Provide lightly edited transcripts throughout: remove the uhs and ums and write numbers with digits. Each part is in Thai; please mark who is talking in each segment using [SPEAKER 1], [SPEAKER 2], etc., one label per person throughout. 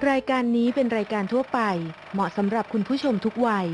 [SPEAKER 1] รายการนี้เป็นรายการทั่วไปเหมาะสำหรับคุณผู้ชมทุกวัย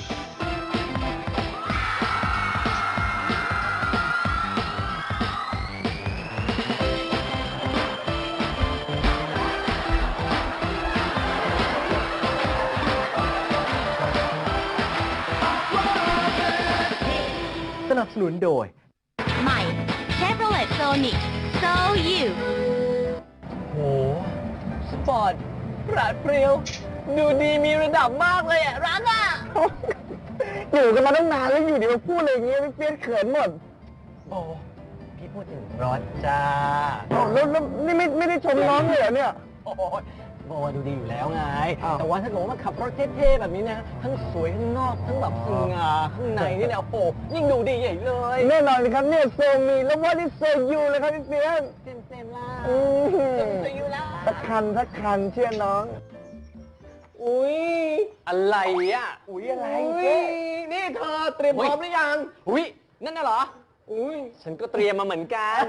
[SPEAKER 2] สนับสนุนโดย
[SPEAKER 3] ใหม่ Chevrolet Sonic So You
[SPEAKER 2] โหสปอร์ตปราดเปรียวดูดีมีระดับมากเลยอ่ะรักอ่ะ อยู่กันมาตั้งนานแล้วอยู่ดีมาพูดอะไรอย่างเงี้ยเปลี่ยนเขินหมดโอ้พี่พูดถึงรถจ้าแล้วนี่ไม่ได้ชมน้องเลยเหรอเนี่ยโอ้โบดูดีอยู่แล้วไงแต่ว่าถ้าเกิดว่ามาขับรถเท่ๆแบบนี้นะทั้งสวยข้างนอกทั้งแบบสง่าข้างในนี่เนี่ยโอ้โหยิ่งดูดีใหญ่เลยแน่นอนครับเนี่ยโซมีแล้วว่าที่โซยูเลยครับพี่เปียนเต็มล่ะโซยูล่ะสักคันเชื่อน้องอุ้ยอะไรอ่ะอุ้ยอะไรนี่เธอเตรียมพร้อมหรือยังอุ้ยนั่นน่ะเหรออุ้ยฉันก็เตรียมมาเหมือนกัน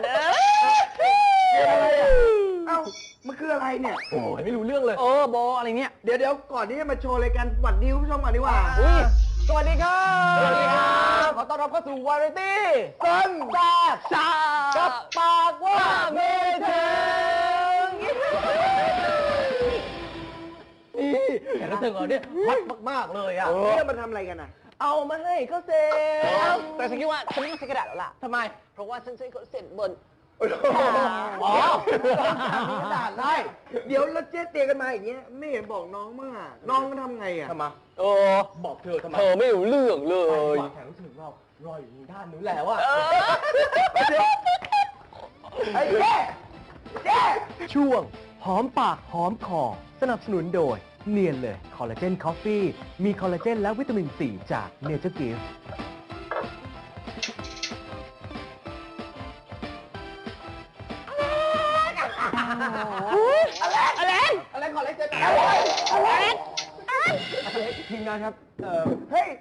[SPEAKER 4] เอ้ามันคืออะไรเนี่ย
[SPEAKER 2] โอ้ยไม่รู้เรื่องเลยโบอะไรเนี่ย
[SPEAKER 4] เดี๋ยวก่อนที่จะมาโชว์รายการสวัสดีคุณผู้ชมก่อนดีกว่า
[SPEAKER 2] อุ้ยสวัสดีครับสวัสดีครับขอต้อนรับเข้าสู่วาไรตี้ต้นแซ่บชากับปากว่าไม่ถึงนี่แขกรับเชิญของเราเนี่ยฮอตมากๆเลยอ่ะ
[SPEAKER 4] เนี่ยมาทำอะไรกันอ่ะ
[SPEAKER 2] เอามาให้เขาเซ็นแต่ฉันคิดว่าฉันไม่ต้องใช้กระดาษแล้วล่ะทำไมเพราะว่าฉันใช้เขาเซ็นบน
[SPEAKER 4] อ๋อมีกระดาษได้เดี๋ยวแล้วเจ๊เตียกันมาอย่างเงี้ยไม่เห็นบอกน้องมั่งอ่ะน้องทำไงอ่ะ
[SPEAKER 2] ทำไมบอกเธอทำไมเธอไม่รู้เรื่องเลยแขกรับเชิญเรารออยู่ด้านนู้นแล้วอ่ะ
[SPEAKER 4] ไอ้เจ๊
[SPEAKER 2] ช่วงหอมปากหอมคอสนับสนุนโดยเนียนเลยคอลลาเจนคอฟฟี่มีคอลลาเจนและวิตามินซีจากเนเจอร์กิฟต์อะไรขอเล็กเจออะไรทีมงานครับ
[SPEAKER 4] เฮ้ย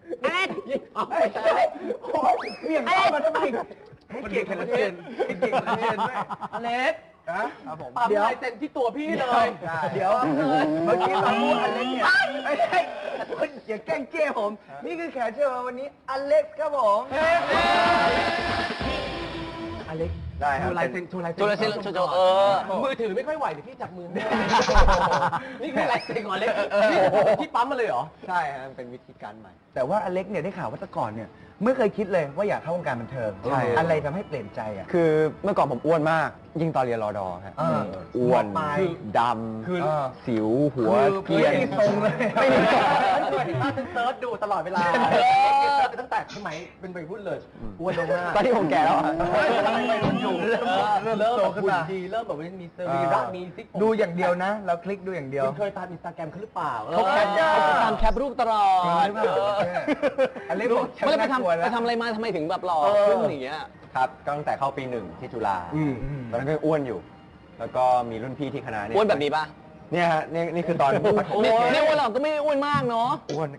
[SPEAKER 4] เบี่ยงเข้ามาทำไมให้เกียรติกันละเจนให้เกียรติกันละเจนด้วย
[SPEAKER 2] อเล็ก
[SPEAKER 4] ครับผม
[SPEAKER 2] ปั๊มลายเซ็นที่ตัวพี่เลย
[SPEAKER 4] เดี๋ยวเมื่อกี้ตอนพูดอเล็กเนี่ยไม่ใช่คุณอย่าแกล้งเจ้ผมนี่คือแขกเชิญมาวันนี้อเล็กครับผม
[SPEAKER 2] อเล็ก
[SPEAKER 4] ได้ครับ
[SPEAKER 2] โชว์ลายเซ็นโชว์มือถือไม่ค่อยไหวเดี๋ยวพี่จับมือนี่คือลายเซ็นของอเล็กนี่พี่ปั๊มมาเลยเหรอ
[SPEAKER 4] ใช่ครับเป็นวิธีการใหม่แต่ว่าอเล็กเนี่ยได้ข่าวว่าแต่ก่อนเนี่ยไม่เคยคิดเลยว่าอยากเข้าวงการบันเทิงอะไรทำให้เปลี่ยนใจอ่ะ
[SPEAKER 5] คือเมื่อก่อนผมอ้วนมมากยิ่งตอนเรียนรอดอครับอ้วนดำสิวหัวเกรียน
[SPEAKER 4] ไม่มีทรงเลย
[SPEAKER 2] ไม่มีทรงฉันเซิร์ชดูตลอดเวลาตั้งแต่สมัยเป็นวัยรุ่นเลยอ้วนลงมาก
[SPEAKER 5] ตอนที่ผมแก่แล้ว
[SPEAKER 2] วัยรุ่นอยู่เริ่มโตขึ้นมาเริ่มแบบมีสรีระมีซิก
[SPEAKER 4] ดูอย่างเดียวนะเราคลิกดูอย่างเดียว
[SPEAKER 2] คุณเคยตามอินสตาแกรมเขาหรือเปล่า
[SPEAKER 5] เขาตามแคปรูปตลอด
[SPEAKER 4] อเล็กบอก
[SPEAKER 5] ไม่ได้ไปทำอะไรมาทำไมถึงแบบหล่อขึ้นอย่างเงี้ยครับตั้งแต่เข้าปี1ที่จุฬาตอนนั้นก็อ้วนอยู่แล้วก็มีรุ่นพี่ที่คณะเนี่ย
[SPEAKER 2] อ้วนแบบนี้ป่ะ
[SPEAKER 5] เนี่ยฮะนี่คือตอน
[SPEAKER 2] เนี่ยอ้วนเราก็ไม่อ้วนมากเนาะ
[SPEAKER 5] อ้วน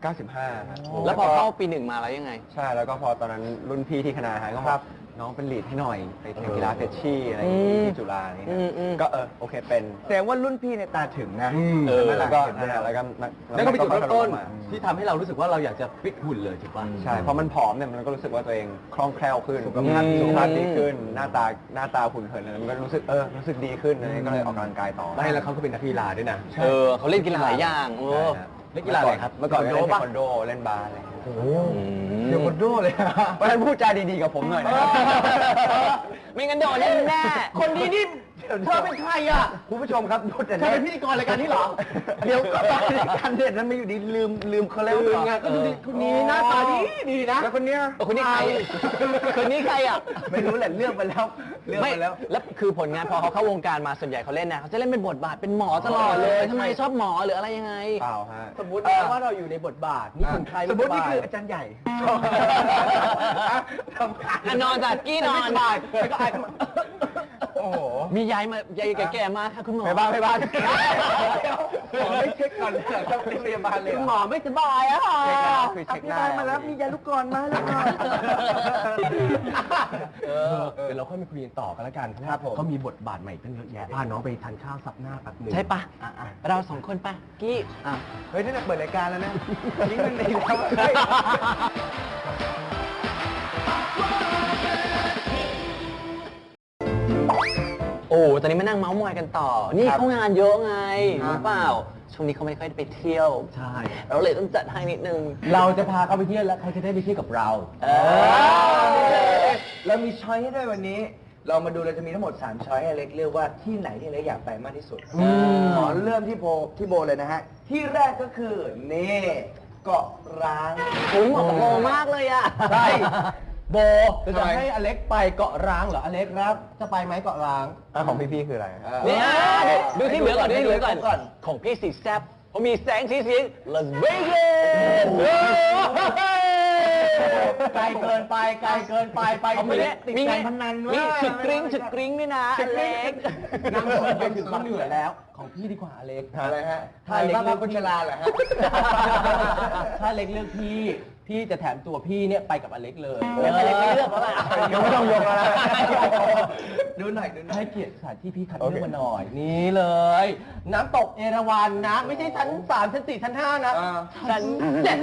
[SPEAKER 5] 95
[SPEAKER 2] แล้วพอเข้าปี1มาแล้วยังไง
[SPEAKER 5] ใช่แล้วก็พอตอนนั้นรุ่นพี่ที่คณะฮะก็บอกน้องเป็นลีดให้หน่อยไปแข่งกีฬาเฟชชี่อะไรอย่างงี้ที่จุฬานี่ก็โอเคเป็น
[SPEAKER 4] แต่ว่ารุ่นพี่ในตาถึงนะ
[SPEAKER 5] แล้วก็
[SPEAKER 2] เป็นจุดเริ่มต้นที่ทำให้เรารู้สึกว่าเราอยากจะฟิตหุ่นเลยถูกป่ะ
[SPEAKER 5] ใช่เพราะมันผอมเนี่ยมันก็รู้สึกว่าตัวเองคล่องแคล่วขึ้นสุขภาพดีขึ้นหน้าตาหุ่นเหินอะไรมันก็รู้สึกดีขึ้นเลยก็เลยออกกำลังกายต่อ
[SPEAKER 2] แล้วเขาก็เป็นนักกีฬาด้วยนะเขาเล่นกีฬาหลายอย่างเล่นกีฬาอะไรครับ
[SPEAKER 5] เมื่อก่อนเล่นเทควันโดเล่นบาสอะไร
[SPEAKER 4] โอ้โหเทควันโดเลย
[SPEAKER 5] เพราะฉะนั้นพูดจาดีๆกับผมหน่อยนะครับ
[SPEAKER 2] ไม่งั้นโดนแน่คนดีนี่เธอเป็นใครอ่ะ
[SPEAKER 4] คุณผู้ชมครับดูแต่
[SPEAKER 2] เธอเป็นพิธีกรรายการนี้เหรอ
[SPEAKER 4] เดี๋ยวก็ตอนรายการเด็ดนั้นไม่อยู่ดีลืมเขาแล้ว
[SPEAKER 2] ไงก็ดูดิคนนี้หน้าตาดีนะ
[SPEAKER 4] แล้วคนนี้
[SPEAKER 2] ใครคนนี้ใครอ่ะ
[SPEAKER 4] ไม่รู้แหละเลือกไปแล้ว
[SPEAKER 2] แล้วคือผลงานพอเขาเข้าวงการมาส่วนใหญ่เขาเล่นนะเขาจะเล่นเป็นบทบาทเป็นหมอตลอดเลยทำไมชอบหมอหรืออะไรยังไง
[SPEAKER 5] เปล่าฮะ
[SPEAKER 2] สมมติว่าเราอยู่ในบทบาทนี่ถึงใคร
[SPEAKER 4] สมมตินี่คืออาจารย์ใหญ่
[SPEAKER 2] นอนจัดกี้นอน
[SPEAKER 4] บ่ายแล้วก็ไอ้
[SPEAKER 5] โอ้โห
[SPEAKER 2] มียายแก่ๆมาค่ะคุณหมอ
[SPEAKER 5] ไปบ้านไปบ้าน
[SPEAKER 4] ขอไม่เช็คก่อนเลยเหรอครับที่พยาบาลเลย
[SPEAKER 2] คุณหมอไม่สบายอะค่ะ
[SPEAKER 5] เช็คแล้วคือเช็คได้
[SPEAKER 4] มาแล้วมียาลูกกรอนมาแล้วก่อน
[SPEAKER 6] เดี๋ยวเราค่อยมาคุยกันต่อกันแล้วกันเพราะ
[SPEAKER 4] ครั
[SPEAKER 6] ว่า
[SPEAKER 4] บผม
[SPEAKER 6] เขามีบทบาทใหม่ตั้งเยอะแยะพาน้องไปทานข้าวซับหน้าแป๊บหนึง
[SPEAKER 2] ใช่ปะเราสองคนปะกี้
[SPEAKER 4] เฮ้ยนี่เปิดรายการแล้วนะนี่มันดีแล้วเฮ้ย
[SPEAKER 2] โอ้ตอนนี้มานั่งเมาส์มอยกันต่อ นี่เขางานเยอะไงรู้เปล่า ช่วงนี้เขาไม่ค่อยได้ไปเที่ยว
[SPEAKER 6] ใช่
[SPEAKER 2] เราเลยต้องจัดให้นิดนึง
[SPEAKER 6] เราจะพาเขาไปเที่ยวแล้วเขาจะได้ไปเที่ยวกับเรา
[SPEAKER 4] เรามีช้อยให้ด้วยวันนี้ เรามาดูเราจะมีทั้งหมด3ช้อยให้เล็กเลือกว่าที่ไหนที่เล็กอยากไปมากที่สุดขอเริ่มที่โบเลยนะฮะ ที่แรกก็คือนี่เกาะร้าง
[SPEAKER 2] ผมเหมาะกับโมมากเลยอะ
[SPEAKER 6] ใช่โบจะ
[SPEAKER 4] ทำไม
[SPEAKER 6] ให้อเล็กไปเกาะร้างเหรออเล็กครับ จะไปไหมเกาะร้าง
[SPEAKER 5] ของพี่ๆคืออะไร
[SPEAKER 2] เนี่ยดูที่เหลือก่อนดูที่เหลือก่อน
[SPEAKER 4] ก่อน
[SPEAKER 2] ของพี่สีแซ่บเขามีแสงสีเสียง Las Vegas
[SPEAKER 6] ไกลเกินไปไกลเกินไปไป
[SPEAKER 2] เขามี
[SPEAKER 6] ติด
[SPEAKER 2] มี
[SPEAKER 6] การพนัน
[SPEAKER 2] มี
[SPEAKER 6] ว่า
[SPEAKER 2] ฉึกกริ้งด้วยนะอเล็ก
[SPEAKER 6] นั่งรถไปถึงก็เหนื่อยแล้ว ของพี่ดีกว่าอเล็ก
[SPEAKER 4] อะไรฮะ
[SPEAKER 6] ถ้าเล็ก
[SPEAKER 4] บ้า
[SPEAKER 6] เลือก
[SPEAKER 4] คนชราเหรอฮะ
[SPEAKER 6] ถ้าเล็กเลือกพี่จะแถมตัวพี่เนี่ยไปกับอเล็กเลย
[SPEAKER 2] แล้วอเล็กไม่เลือกแล้วล่ะ
[SPEAKER 5] ยังไม่ต้องยกแล้วนะ
[SPEAKER 4] ดูหน่อย
[SPEAKER 6] ให้เกียรติสถานที่พี่คัด
[SPEAKER 5] โอ
[SPEAKER 6] เลื
[SPEAKER 5] เค
[SPEAKER 6] อกมาหน่อย นี่เลย น้ำตกเอราวัณนะ ไม่ใช่ชั้น 3 ชั้น 4 ชั้น 5 นะ
[SPEAKER 2] ฉันเจ็ด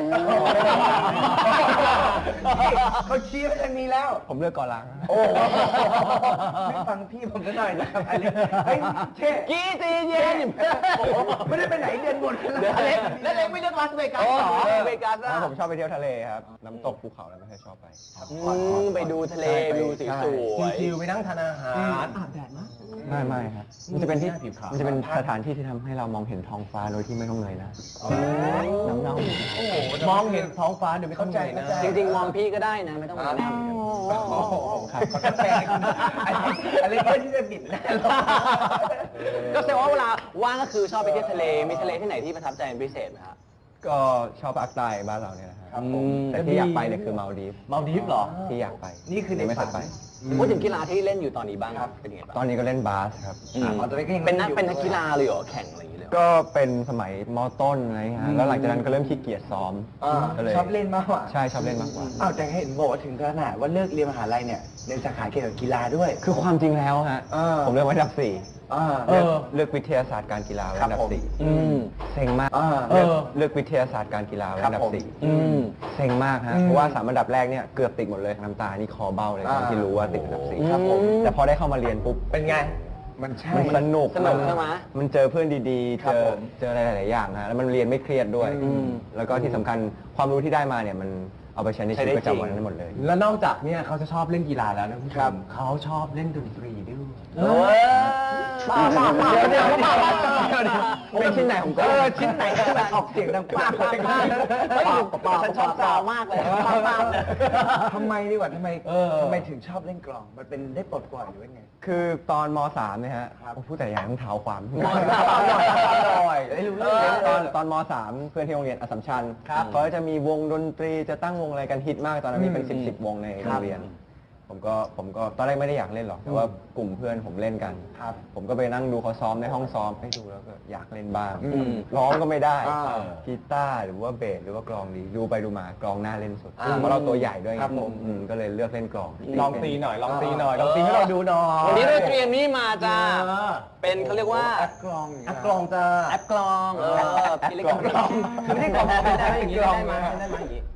[SPEAKER 4] เขาชี้ไปทางนี้แล้ว
[SPEAKER 5] ผมเลือกเกาะล้าง
[SPEAKER 4] โอ้ไม่ฟังพี่ผมซะหน่อยนะครับอเล็กเฮ้ยเท่
[SPEAKER 2] กี้ตีเย็น
[SPEAKER 4] ไม่ได้ไปไหนเดือนบนแล้ว
[SPEAKER 6] อเล็กแล้วเล็กไม่เลือกลาสเวกัส
[SPEAKER 2] โอ้
[SPEAKER 6] เหรอ
[SPEAKER 2] เวกัสอะ
[SPEAKER 5] ผมชอบไปเที่ยวทะเลครับ น้ำตกภูเขาแล้วไม่ค่อยชอบไป
[SPEAKER 2] ไปดูทะเลไปดูสีสวย
[SPEAKER 6] ชิวๆไปนั่งทานอาหารอาบแดดนะ
[SPEAKER 5] ไม่ครับ มันจะเป็นที่
[SPEAKER 6] ผิวขาว
[SPEAKER 5] มันจะเป็นสถานที่ที่ทำให้เรามองเห็นท้องฟ้าโดยที่ไม่ต้องเงยหนะน้ำเน่า
[SPEAKER 6] มองเห็นท้องฟ้าโดยไม่ต้องเหนื่อยนะ
[SPEAKER 2] จริงๆมองพี่ก็ได้นะ ไม่ต้องมาแน่
[SPEAKER 5] ครับ
[SPEAKER 4] กาแฟอะไรเพื่อที่จะบิดหน้าเรา
[SPEAKER 2] ก็แสดงว่าเวลาว่างก็คือชอบไปเที่ยวทะเล มีทะเลที่ไหนที่ประทับใจเป็นพิเศษไหมครับ
[SPEAKER 5] ก็ชอบภาคใต้บ้านเราเนี่ยนะครับ
[SPEAKER 6] ผม
[SPEAKER 5] แต่ที่อยากไปเนี่ยคือมาลดีฟ
[SPEAKER 6] มาลดีฟเหรอ
[SPEAKER 5] ที่อยากไป
[SPEAKER 4] นี่คือใน
[SPEAKER 5] ยังไม่เค
[SPEAKER 4] ฝั
[SPEAKER 5] ย
[SPEAKER 4] น
[SPEAKER 5] ไป
[SPEAKER 2] พูดถึงกีฬาที่เล่นอยู่ตอนนี้บ้างเป็นยังไงบ้าง
[SPEAKER 5] ตอนนี้ก็เล่นบาสครับ
[SPEAKER 4] ตอนนี้ก็ยัง
[SPEAKER 2] เป็นนักกีฬาเลยเหรอแข่งอะไรอย่างเงี้ยเลยเหรอ
[SPEAKER 5] ก็เป็นสมัยมต้นอะไรเงี้ยฮะแล้วหลังจากนั้นก็เริ่มขี้เกียจซ้อมก็เลย
[SPEAKER 4] ชอบเล่นมากกว่า
[SPEAKER 5] ใช่ชอบเล่นมากกว่า
[SPEAKER 4] อ้าวแต่เห็นบอกว่าถึงขนาดว่าเลิกเรียนมหาลัยเนี่ยเรียนสาขาเกี่ยวกับกีฬาด้วย
[SPEAKER 5] คือความจริงแล้วฮะ ผมเลือกไว้อันดับ 4 เลือกวิทยาศาสตร์การกีฬาไว้อันดั
[SPEAKER 4] ครับ
[SPEAKER 5] บ
[SPEAKER 4] ผม
[SPEAKER 5] 4เซ็งมาก
[SPEAKER 4] เออ
[SPEAKER 5] เลือกวิทยาศาสตร์การกีฬาไว้อันดั
[SPEAKER 4] ครับ
[SPEAKER 5] บ
[SPEAKER 4] ผม
[SPEAKER 5] 4เซ็งมากฮะเพราะว่า3 อันดับแรกเนี่ยเกือบติดหมดเลยน้ำตานี่คอเบ้าเลยตอนที่รู้ว่าติดอันดับ 4
[SPEAKER 2] ครับผม
[SPEAKER 5] แต่พอได้เข้ามาเรียนปุ๊บ
[SPEAKER 4] เป็นไง มันใช่
[SPEAKER 5] มันสนุก
[SPEAKER 2] สนุกใช่ไหม
[SPEAKER 5] มันเจอเพื่อนดีๆ
[SPEAKER 4] ครับผม
[SPEAKER 5] เจออะไรหลายๆอย่างฮะแล้วมันเรียนไม่เครียดด้วย แล้วก็ที่สำคัญความรู้ที่ได้มาเนี่ยมันเอาไปใช้ในชีวิตประจำวันได้หมดเลย
[SPEAKER 6] แล้วนอกจากเนี่ยเขาจะชอบเล่นกีฬาแล้วนะคุณผู้ชมเขาชอบเล่นดนตรีด้วย
[SPEAKER 2] ป้าเดี๋ยว
[SPEAKER 5] เป็นชิ้นไหนของก็
[SPEAKER 4] ชิ้นไหนที่มันออกเสียงดังป้าป้าป้า
[SPEAKER 2] ฉันชอบซาวมากเลยป้า
[SPEAKER 4] ทำไมดีกว่าทำไมถึงชอบเล่นกลอง มันเป็นได้ปลดปล่อยหรือว่าไง
[SPEAKER 5] คือตอนม .3 เนี่ยฮะผมพูดแต่อย่างต้องเท้าความ
[SPEAKER 2] ม.3
[SPEAKER 4] หน่อยได้รู้เรื่อง
[SPEAKER 5] ตอนม .3 เพื่อนที่โรงเรียนอัสสัมชัญเขาจะมีวงดนตรีจะตั้งวงอะไรกันฮิตมากตอนนั้นมีเป็น10 วงในโรงเรียน ผมก็ตอนแรกไม่ได้อยากเล่นหรอกแต่ว่ากลุ่มเพื่อนผมเล่นกันผมก็ไปนั่งดูเขาซ้อมในห้องซ้อมให้ดูแล้วก็อยากเล่นบ้างร้องก็ไม่ได้กีตาร์หรือว่าเบสหรือว่ากลองดีดูไปดูมากลองหน้าเล่นสุดเพราะเราตัวใหญ่ด้วยไงก็เลยเลือกเล่นกลอง
[SPEAKER 6] ลองตีหน่อยลองตีหน่อยลองตีให้เราดูหน่อย
[SPEAKER 2] วันนี้เราเตรียมนี่มาจ้า เป็นเขาเรียกว่า
[SPEAKER 4] แอปกลอง
[SPEAKER 6] แอปกลองจะ
[SPEAKER 2] แอปกลองพี่เล็กกลองไม่ได้กลองไม่ได้อย่างนี้ได้ไหมได้ไหมอย่างนี้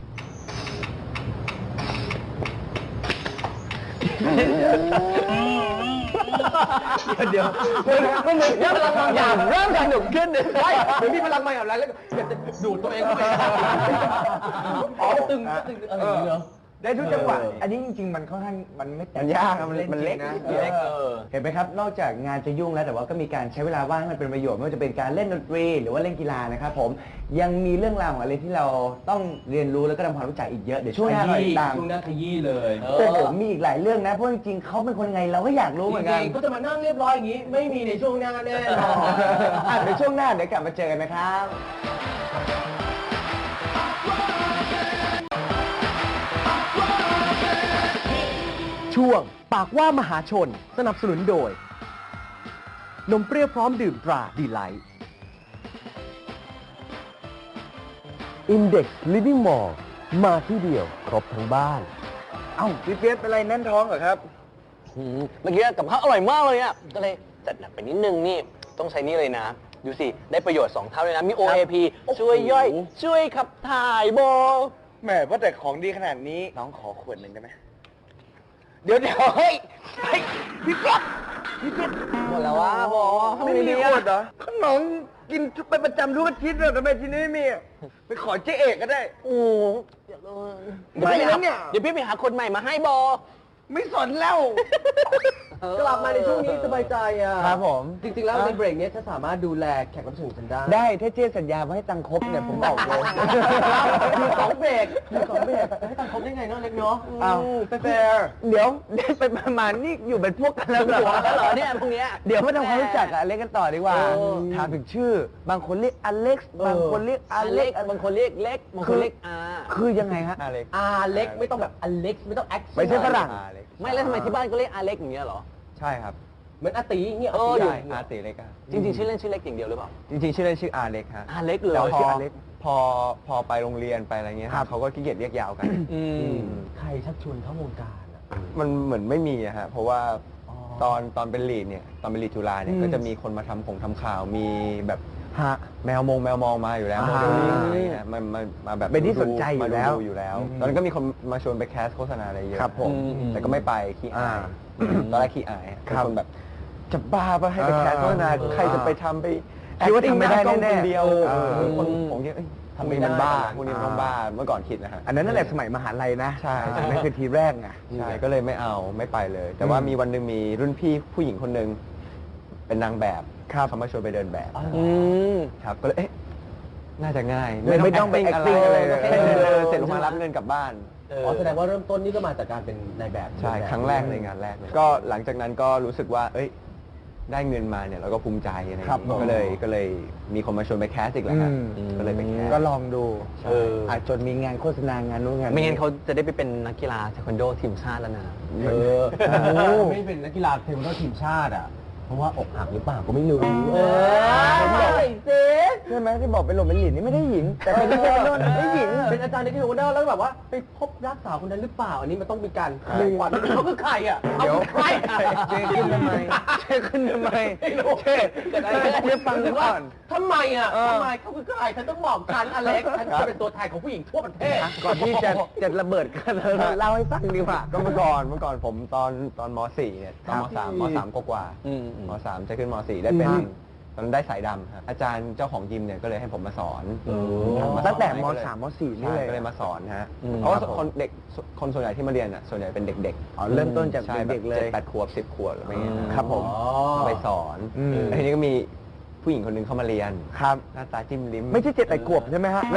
[SPEAKER 4] เดี๋ยว
[SPEAKER 6] มันเหมือนพลังบางอย่างเริ่มสนุกขึ้นเลยเหมือนมีพลังบางอย่างอะไรแล้วอยากจะดูดตัวเองเข้าไปอ๋อตึงอะไรอย่างเงี้ย
[SPEAKER 4] ได้ทุกจังหวะ อันนี้จริงๆ มันค่อนข้างมันไม่
[SPEAKER 5] มันยากครับมันเล็ก
[SPEAKER 4] นะ
[SPEAKER 2] เล็ก
[SPEAKER 4] เห็นไหมครับ นอกจากงานจะยุ่งแล้วแต่ว่าก็มีการใช้เวลาว่างให้มันเป็นประโยชน์ไม่ว่าจะเป็นการเล่นดนตรีหรือว่าเล่นกีฬานะครับผมยังมีเรื่องราวของอะไรที่เราต้องเรียนรู้แล้วก็ทำความรู้จักอีกเยอะเดี๋ยวช่วงหน้าเราติดตาม
[SPEAKER 6] ช่วงหน้าขยี้เลย
[SPEAKER 4] โอ้โหมีอีกหลายเรื่องนะเพราะจริงๆเขาเป็นคนยังไงเราก็อยากรู้เหมือนกัน
[SPEAKER 6] ก็จะมานั่งเรียบร้อยอย่างนี้ ไม่มีในช่วงหน้าแน่นอน
[SPEAKER 4] เดี๋ยวช่วงหน้าเดี๋ยวกลับมาเจอกันนะครับ
[SPEAKER 6] ช่วงปากว่ามหาชนสนับสนุนโดยนมเปรี้ยวพร้อมดื่มตราดีไลท์ Index Living Mall มาที่เดียวครบทั้งบ้าน
[SPEAKER 4] เอ้าพี่เปี๊ยกเป็นไรแน่นท้องเหรอครับ
[SPEAKER 2] เมื่อกี้กับข้าวอร่อยมากเลยอ่ะ ก็เลยจัดหนักไปนิดนึงนี่ ต้องใช้นี่เลยนะ ดูสิ ได้ประโยชน์ 2 เท่าเลยนะ มี OAP ช่วยย่อย ช่วยขับถ่ายโบ
[SPEAKER 4] แหมว่าแต่ของดีขนาดนี้น้องขอขวดหนึ่งได้ไหมเดี๋ยวเฮ้ยพี่เปี๊ยก
[SPEAKER 2] หมดแล้วว่าโบ
[SPEAKER 4] ไม่มีขวดเหรอขนมกินไปประจำทุกอาทิตย์เลยทำไมที่นี่ไม่มีอะไปขอเจ๊เอกก็ได้
[SPEAKER 2] โอ้
[SPEAKER 4] ไม่แล้วเนี่ย
[SPEAKER 2] เดี๋ยวพี่ไปหาคนใหม่มาให้โบ
[SPEAKER 4] ไม่สนแล้ว
[SPEAKER 6] กลับมาในช่วงนี้สบายใจอ่ะ
[SPEAKER 4] ครับผม
[SPEAKER 6] จริงๆ แล้วในเบรกนี้ฉันสามารถดูแลแขกรับเชิญฉันได้
[SPEAKER 4] ได้ถ้าเจ๊สัญญาว่าให้ตังค์ครบเนี่ยผมบอกเลย
[SPEAKER 6] มีสองเบรกมีสองเบรกจะให้ตังค์ครบได้ไงเนาะเล็กเนาะ
[SPEAKER 4] อ้าวแฟร์เดี๋ยวได้ไปประมาณนี่อยู่เป็นพวกกันแล้วเหรอ
[SPEAKER 2] หัวแล้วเหรอเนี่ยพวกเนี้ย
[SPEAKER 4] เดี๋ยวมาทำความรู้จักกับอเล็กกันต่อดีกว่า ถามถึงชื่อ บางคนเรียกอเล็กซ์ บางคนเรียกอ
[SPEAKER 2] อา
[SPEAKER 4] เล็
[SPEAKER 2] เล็
[SPEAKER 4] ก
[SPEAKER 2] กบางคนเรียกเล็ก บางคนเรียกอา
[SPEAKER 4] คือยังไงฮะอเล็ก
[SPEAKER 6] อาเล็กไม่ต้องแบบอเล็กไม่ต้องแอค
[SPEAKER 4] ไม่ใช่ฝรั่ง
[SPEAKER 2] ไม่แล้วทำไมที่บ้านก็เรียกอาเล็กอย่างเงี้ยเหรอ
[SPEAKER 5] ใช่ครับ
[SPEAKER 6] เหมือนอาตีอย่างเงี้ย
[SPEAKER 2] เออ
[SPEAKER 6] อาตี
[SPEAKER 2] อยู่
[SPEAKER 6] ใหญ่
[SPEAKER 5] อาร์ติเล็กอะ
[SPEAKER 2] จริงๆชื่อเล่นชื่อเล็กอย่างเดียวหรือเปล่า
[SPEAKER 5] จริงๆชื่อเล่นชื่ออาเล็กฮะ
[SPEAKER 2] อาเล็กเลย
[SPEAKER 5] แต่
[SPEAKER 4] ชื่อ
[SPEAKER 5] พอ
[SPEAKER 4] อาเล็ก
[SPEAKER 5] พอไปโรงเรียนไปอะไรเงี้ย
[SPEAKER 4] ครับ
[SPEAKER 5] เขาก็ขี้เกียจเรียกยาวกัน
[SPEAKER 6] ใครชักชวนเข้าวงการอ่ะ
[SPEAKER 5] มันเหมือนไม่มีอะฮะเพราะว่าตอนเป็นลีดเนี่ยตอนเป็นลีดจุฬาเนี่ยก็จะมีคนมาทำข่าวมีแบบ
[SPEAKER 4] ฮะ
[SPEAKER 5] แมวมองมาอยู่แล้ว
[SPEAKER 4] อ่า
[SPEAKER 5] โมเดลลิ่งอะไรเงี้ยมาแบบ
[SPEAKER 4] เป็นที่สนใจอยู่แล้ว
[SPEAKER 5] มาดูอยู่แล้วตอนนั้นก็มีคนมาชวนไปแคสโฆษณาอะไรเยอะ
[SPEAKER 4] ครับผม
[SPEAKER 5] แต่ก็ไม่ไปขี้อาย ตอนแรกขี้อายเป็น
[SPEAKER 4] ครับ
[SPEAKER 5] คนแบบจะบ้าปะให้ไปแคสโฆษณา
[SPEAKER 4] เออ
[SPEAKER 5] ใครจะไปทำไป
[SPEAKER 4] คิดว่าทำไม่ได้
[SPEAKER 5] acting หน้ากล้อง
[SPEAKER 4] แน่ๆ
[SPEAKER 5] คนเดียว
[SPEAKER 4] เออ
[SPEAKER 5] คนผมคิดเอ้ยทำไมมันบ้าพวกนี้มันต้องบ้าเมื่อก่อนคิดนะฮะ
[SPEAKER 4] อันนั้นนั่นแหละสมัยมหาลัยนะ
[SPEAKER 5] ใช่
[SPEAKER 4] นั่นคือทีแรกไง
[SPEAKER 5] ใช่ก็เลยไม่เอาไม่ไปเลย แต่ว่ามีวันหนึ่งมีรุ่นพี่ผู้หญิงคนหนึ่งเป็นนางแบบเขามาชวนไปเดินแบบ
[SPEAKER 2] อืม
[SPEAKER 5] ครับก็เลยเอ๊ะน่าจะง่าย
[SPEAKER 4] ไม่ต้องไป acting อะไรเลย
[SPEAKER 5] แค่เดินเสร็จลงมารับเงินกลับบ้าน
[SPEAKER 6] อ๋อแสดงว่าเริ่มต้นนี่ก็มาจากการเป็นนายแบบ
[SPEAKER 5] ใช่ครั้งแรกในงานแรกเลยก็หลังจากนั้นก็รู้สึกว่า เอ้ยได้เงินมาเนี่ยเราก็ภูมิใจอะไรอย่าง
[SPEAKER 4] ครับ
[SPEAKER 5] เงี้ยก็เลยมีคนมาชวนไปแคสอีกแล้วฮะก็เลยไปแคส
[SPEAKER 4] ก็ลองดู
[SPEAKER 5] ใช่
[SPEAKER 4] อาจจนมีงานโฆษณางานนู้นงาน
[SPEAKER 2] ไม่งั้นเขาจะได้ไปเป็นนักกีฬาเทควันโดทีมชาติแล้วนะ
[SPEAKER 6] ไม่เป็นนักกีฬาเทควันโดทีมชาติอ่ะ เพราะว่าอกหักหรือเปล่าก็ไม่รู้
[SPEAKER 4] ผมบอกใช่ไหมที่บอกเป็นหลงเป็นหลินนี่ไม่ได้หญิง แต่เป็นเทควันโดได้หญิง
[SPEAKER 6] เป็นอาจารย์ในเทควันโดแล้วแบบว่าไปพบรักสาวคนนั้นหรือเปล่า อันนี้มันต้องมีการขยายความเขาคือใครอ่ะเอาคือใคร
[SPEAKER 4] เจ๊ขึ้นทำไมเจ๊ขึ้นทำไมเจ๊เจ๊ฟังก่อน
[SPEAKER 6] ทำไมอ่ะทำไมเขาคือใครฉันต้องบอกฉันอเล็กฉันจะเป็นตัวแทนของผู้หญิงทั่วประเทศ
[SPEAKER 4] ก่อนที่จะระเบิดกันเล่าให้ฟังดีกว่า
[SPEAKER 5] ก็เมื่อก่อนผมตอนม .4 เนี่ยตอนม .3 กว่าๆม .3 จะขึ้นม .4 ได้เป็นตอนนั้นได้สายดำครับอาจารย์เจ้าของยิมเนี่ยก็เลยให้ผมมาสอนมาสอน
[SPEAKER 4] ตั้งแต่ม
[SPEAKER 5] ก็เลย
[SPEAKER 4] 3ม4นี่
[SPEAKER 5] ใช่
[SPEAKER 4] เลย
[SPEAKER 5] ก็เลยมาสอนฮะเพราะว่าคนส่วนใหญ่ที่มาเรียนอ่ะส่วนใหญ่เป็นเด็กๆ
[SPEAKER 4] อ๋อเริ่มต้นจาก
[SPEAKER 5] ใช่
[SPEAKER 4] เด็กๆเลย
[SPEAKER 5] 7 8 ขวบ 10 ขวบอะไรเงี้ย
[SPEAKER 4] ครับผม
[SPEAKER 5] ก็ไปสอน
[SPEAKER 4] อืม
[SPEAKER 5] แล้วทีนี้ก็มีผู้หญิงคนหนึงเข้ามาเรียน
[SPEAKER 4] ครับ
[SPEAKER 5] หน้าตาจิ้มลิ้ม
[SPEAKER 4] ไม่ใช่7 8 ขวบใช่ไหมฮะไม่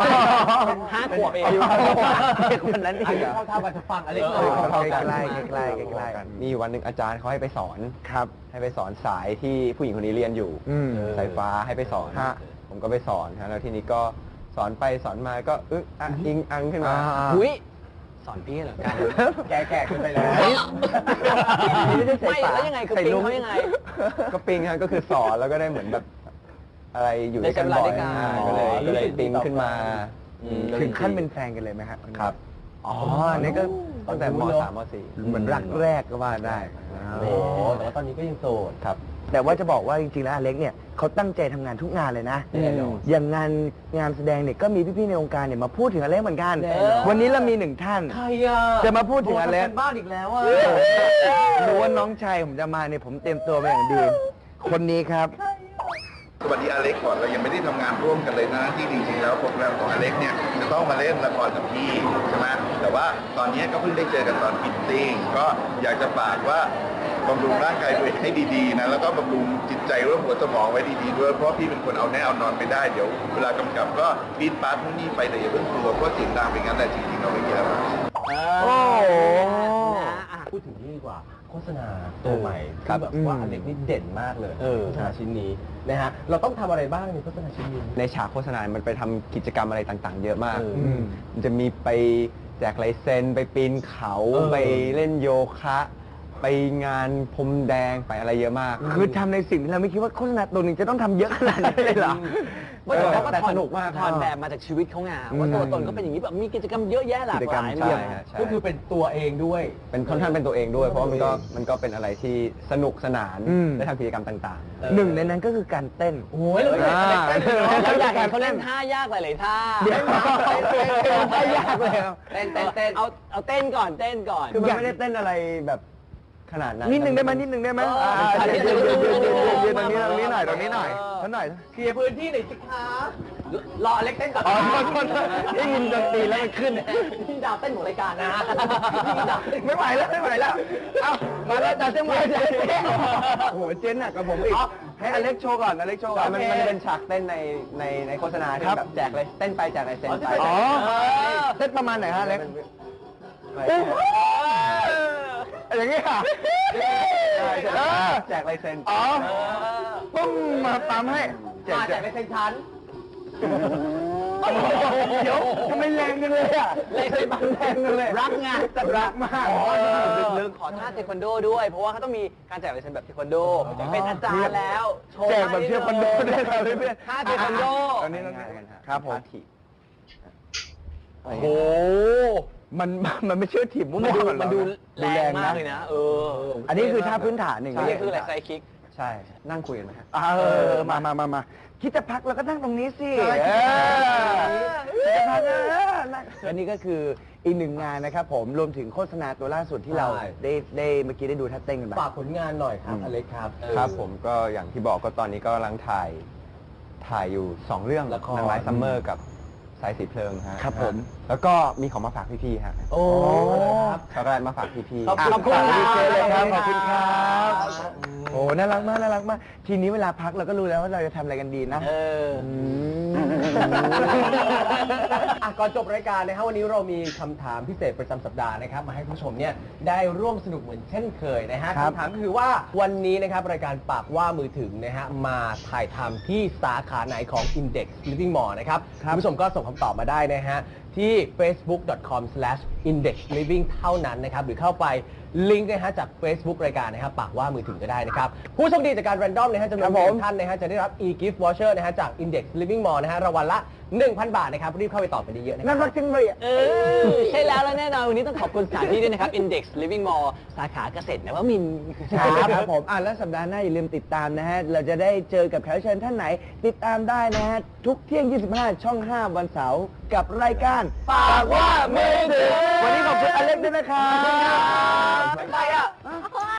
[SPEAKER 2] 5 ขวบเอง
[SPEAKER 4] เด็กคนนั้นเอ
[SPEAKER 6] อัน
[SPEAKER 4] ง
[SPEAKER 6] นี้
[SPEAKER 4] เหรอ
[SPEAKER 6] เข้าท่ากันจะฟังอเล็ก
[SPEAKER 4] ใกล้
[SPEAKER 6] เลย
[SPEAKER 4] ใกล้ใกล้ใกล้
[SPEAKER 5] มีอยู่วันหนึ่งอาจารย์เขาให้ไปสอน
[SPEAKER 4] ครับ
[SPEAKER 5] ให้ไปสอนสายที่ผู้หญิงคนนี้เรียนอยู่ สายฟ้าให้ไปสอน
[SPEAKER 4] ฮะ
[SPEAKER 5] ผมก็ไปสอนฮะแล้วทีนี้ก็สอนไปสอนมาก็อิงอังขึ้นมา
[SPEAKER 2] หุ้ยสอนพี่เหรอกัน
[SPEAKER 4] แก่ขึ้นไปแล้ว
[SPEAKER 2] ไม่แล้วยังไงคือปิ๊งเขายังไง
[SPEAKER 5] ก็ปิงฮะก็คือสอนแล้วก็ได้เหมือนแบบอะไรอยู่ด้วยกัน
[SPEAKER 2] ได้
[SPEAKER 5] บ่อย
[SPEAKER 2] ใช้เวลาด้วยกัน
[SPEAKER 5] ก็เลยปิ๊งขึ้นมา
[SPEAKER 4] ถึงขั้นเป็นแฟนกันเลยไหมครับ
[SPEAKER 5] ครับ
[SPEAKER 4] อ๋ออันนี้ก็
[SPEAKER 5] ตั้งแต่ม .3 ม .4
[SPEAKER 4] เหมือนรักแรกก็ว่าได้
[SPEAKER 6] โอ้แต่ว่าตอนนี้ก็ยังโสด
[SPEAKER 5] ครับ
[SPEAKER 4] แต่ว่าจะบอกว่าจริงๆแล้วอเล็กเนี่ยเขาตั้งใจทำงานทุกงานเลยนะ
[SPEAKER 6] แน่นอน
[SPEAKER 4] อย่างงานแสดงเนี่ยก็มีพี่ๆในวงการเนี่ยมาพูดถึงอเล็กเหมือนกัน
[SPEAKER 6] แน่นอน
[SPEAKER 4] วันนี้เรามีหนึ่งท่าน
[SPEAKER 6] ใครอ่ะ
[SPEAKER 4] จะมาพูดถึงอเล็ก
[SPEAKER 6] โทรทำกันบ้านอีกแล้วอ่ะ
[SPEAKER 4] รู้ว่าน้องชายผมจะมาเนี่ยผมเตรียมตัวมาอย่างดี คนนี้ครับ
[SPEAKER 7] สวัสดีอเล็กก่อนเรายังไม่ได้ทำงานร่วมกันเลยนะที่จริงๆแล้วโปรแกรมของอเล็กเนี่ยจะต้องมาเล่นละครกับพี่ใช่ไหมแต่ว่าตอนนี้ก็เพิ่งได้เจอกันตอนฟิตติ้งก็อยากจะฝากว่าบำรุงร่างกายตัวเองให้ดีๆนะแล้วก็บำรุงจิตใจเรื่องหัวสมองไว้ดีๆด้วยเพราะพี่เป็นคนเอาแน่เอานอนไม่ได้เดี๋ยวเวลากำกับก็ปี๊ดปาร์ตพวกนี้ไปแต่อย่าเพิ่งกลัวเพราะเสียงดังเป็นงั้นแต่จริงๆเราไม่มีอะไร
[SPEAKER 4] โอ้โห
[SPEAKER 6] พูดถึงนี่ดีกว่าโฆษณาตัวใหม่
[SPEAKER 5] ครั
[SPEAKER 6] ที่
[SPEAKER 5] บ
[SPEAKER 6] แบบว่าอเล็กนี่เด่นมากเลยโฆษณาชิ้นนี้นะฮะเราต้องทำอะไรบ้างในโฆษณาชิ้นนี้
[SPEAKER 5] ในฉากโฆษณา มันไปทำกิจกรรมอะไรต่างๆ เยอะมาก มันจะมีไปแจกลายเซ็นไปปีนเขา
[SPEAKER 6] เออ
[SPEAKER 5] ไปเล่นโยคะ ไปไปงานพรมแดงไปอะไรเยอะมาก
[SPEAKER 2] คือทำในสิ่งที่เราไม่คิดว่าโฆษณาตัวหนึ่งจะต้องทำเยอะขนาดนั้นเลยเหรอ
[SPEAKER 6] ว่าแต่เขาก็
[SPEAKER 5] แต่
[SPEAKER 6] ถอ
[SPEAKER 5] ส
[SPEAKER 6] น
[SPEAKER 5] นุกมาก
[SPEAKER 6] ถอนแบบมาจากชีวิตเขาไงว่าตัวตนเขาเป็นอย่างนี้แบบมีกิจกรรมเยอะแยะหลากหลาย
[SPEAKER 5] กิจกรรมใช่ฮะใช่
[SPEAKER 6] ก็คือเป็นตัวเองด้วย
[SPEAKER 5] เป็นค่อนข้างเป็นตัวเองด้วย เพราะว่ามันก็เป็นอะไรที่สนุกสนาน
[SPEAKER 2] อืม
[SPEAKER 5] ได้ทำกิจกรรมต่าง
[SPEAKER 2] หนึ่งในนั้นก็คือการเต้น
[SPEAKER 6] โอ้ยเราอยากเห็นเราอยากเห็นเขาเล่นท่ายากหลายๆท่า
[SPEAKER 2] เดี๋ยวไม่ยากเลยครับ
[SPEAKER 6] เต้นเอาเต้นก่อนเต้นก่อน
[SPEAKER 5] ๆ คือมันไม่ได้เต้นอะไรแบบขนาดนั้น
[SPEAKER 2] นิดนึงได้ไหมนิดนึงได้ไหม
[SPEAKER 6] เออ
[SPEAKER 2] ยืนตรงนี้ตรงนี้หน่อยตรงนี้หน่อยท่านหน่อย
[SPEAKER 6] เคลียร์พื้นที่หน่อยสิคะรออเล็กเต้นก่อน
[SPEAKER 2] อ๋อโทษได้ยินดนตรีแล้วมันขึ้น
[SPEAKER 6] พี่ดาวเต้นของรายการนะพี่ดาวเต้น
[SPEAKER 2] ไม่ไหวแล้วไม่ไหวแล้ว เอ้ามาแล้วจัดเส้นไหวจัดโอ้โหเจนหนักกับผมอีกให้อเล็กโชว์ก่อนอเล็กโชว์ก่อน
[SPEAKER 5] มันเป็นฉากเต้นในโฆษณาที่แบบแจกเลยเต้นไปแจกลายเซ็นไป
[SPEAKER 2] อ๋อเต้นประมาณไหนฮะอเล็กอย่างนี้ค่ะ
[SPEAKER 5] แจกลายเซ็น
[SPEAKER 2] อ๋อปุ้มมาปั๊มให้
[SPEAKER 6] มาจากในเซนชัน
[SPEAKER 2] เดี๋ยวทำไมแรงกันเลยอ่ะ
[SPEAKER 6] เลยเคยบังแรงกันเลยรักไง
[SPEAKER 2] รักมาก
[SPEAKER 6] ลึกๆขอท่าเทควันโดด้วย เพราะว่าเขาต้องมีการแจกลายเซ็นแบบเทควันโดเป็นอาจารย์แล้วโชว์
[SPEAKER 2] แจกแบบเชื่อคอนโดได้เลยเพื่อน
[SPEAKER 6] ท่าเทควันโด
[SPEAKER 2] ตอนนี้
[SPEAKER 5] ง่ายๆกันฮะ
[SPEAKER 2] ครับผม
[SPEAKER 5] ถีบ
[SPEAKER 2] โอ้โหมันไม่เชื่อถีบมั่วๆ
[SPEAKER 6] มันดูแรงมากเลยนะ
[SPEAKER 2] อันนี้คือท่าพื้นฐานหนึ่ง
[SPEAKER 6] นี่คืออะไรไซคิก
[SPEAKER 5] ใช่ นั่งคุยกันไหมฮะ
[SPEAKER 2] มาคิดจะพักเราก็นั่งตรงนี้สิ
[SPEAKER 6] ใช่
[SPEAKER 2] คิดจะพักและนี่ก็คืออีกหนึ่งงานนะครับผมรวมถึงโฆษณาตัวล่าสุดที่เราได้เมื่อกี้ได้ดูท่าเต้นกันไป
[SPEAKER 6] ฝากผลงานหน่อยครับอเล็กครับ
[SPEAKER 5] ครับผมก็อย่างที่บอกก็ตอนนี้ก็กำลังถ่ายอยู่ 2 เรื่อง
[SPEAKER 6] ละคร
[SPEAKER 5] นางร้ายซัมเมอร์กับสายสีเพลิงฮะ
[SPEAKER 2] ครับผม
[SPEAKER 5] แล้วก็มีของมาฝากพี่ๆฮะ
[SPEAKER 6] โอ้
[SPEAKER 2] ครับ
[SPEAKER 5] ช็อกโกแลตมาฝากพี่ๆ
[SPEAKER 6] ขอบคุณ
[SPEAKER 2] ขอบคุณ
[SPEAKER 6] ครับ
[SPEAKER 2] เจเลยครับขอบคุณครับโอ้น่ารักมากน่ารักมากทีนี้เวลาพักเราก็รู้แล้วว่าเราจะทำอะไรกันดีนะ
[SPEAKER 6] ก่อนจบรายการนะครับวันนี้เรามีคำถามพิเศษประจำสัปดาห์นะครับมาให้ผู้ชมเนี่ยได้ร่วมสนุกเหมือนเช่นเคยนะฮะ
[SPEAKER 2] ครับ
[SPEAKER 6] คำถามก็คือว่าวันนี้นะครับรายการปากว่ามือถึงนะฮะมาถ่ายทำที่สาขาไหนของ Index Living Mall นะครับคุณผู้ชมก็ส่งคำตอบมาได้นะฮะที่ facebook.com/indexliving เท่านั้นนะครับหรือเข้าไปลิงก์นะฮะจาก Facebook รายการนะครับปากว่ามือถึงก็ได้นะครับผู้โชคดีจากการ random นะฮะจำนวน1ท่านนะฮะจะได้รับ e-gift voucher นะฮะจาก Index Living Mall นะฮะรางวัลละ 1,000 บาทนะครับรีบเข้าไปตอบกันเยอะๆนะค
[SPEAKER 2] น่า
[SPEAKER 6] รั
[SPEAKER 2] รักจังเลยอ่ะ
[SPEAKER 6] ใช่แล้วและแน่นอนวันนี้ต้องขอบคุณสถานที่ด้วยนะครับ Index Living Mall สาขาเกษตรนวมินทร์
[SPEAKER 2] ครับผมแล้วสัปดาห์หน้าอย่าลืมติดตามนะฮะ เราจะได้เจอกับแขกรับเชิญท่านไหน ติดตามได้นะฮะ ทุกเที่ยง 25 ช่อง 5 วันเสาร์กับรายการปากว่ามือถึงวันนี้ขอบคุณอเล็กด้วยนะครับ
[SPEAKER 6] ไปอ่ะ